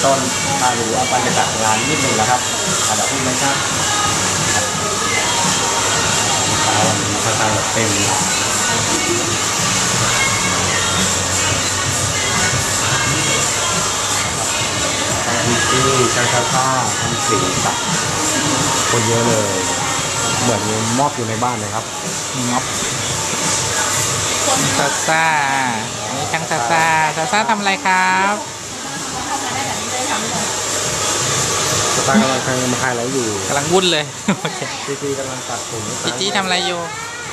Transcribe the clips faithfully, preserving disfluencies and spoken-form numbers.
ต้นมาดูเอาบรรยากาศงานนิดนึงนะครับอันดับที่ไม่ครับเช้าวันนี้ค่อนข้างเต็มมีที่ช่างผ้าทำสีสักคนเยอะเลยเหมือนมอบอยู่ในบ้านเลยครับม็อบซาซ่าอันนี้ช่างซาซ่าซาซ่าทำอะไรครับสตาร์กำลังทำมาขายแล้วอยู่กำลังวุ่นเลยจีจีกำลังตัดผมจีจีทำอะไรอยู่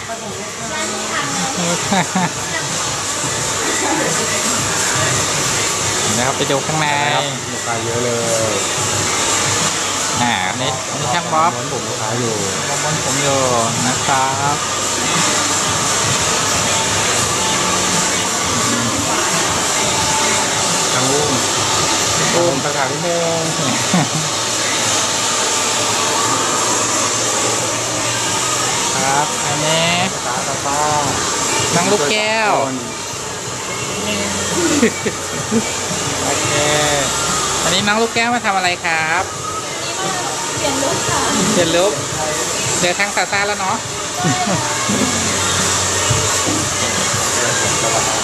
นะครับไปดูข้างในลูกค้าเยอะเลยอ่าอันนี้อันนี้ช่างบ๊อบม้วนผมลูกค้าอยู่ม้วนผมอยู่นะครับทางอุ้มอุ้มประกาศนิดนึงครับอันนี้ตาตาต้อนั่งลูกแก้วโอเคอันนี้น้องลูกแก้วมาทำอะไรครับเปลี่ยนลุคค่ะเปลี่ยนลุคเจอทั้งซาซ่าแล้วเนาะ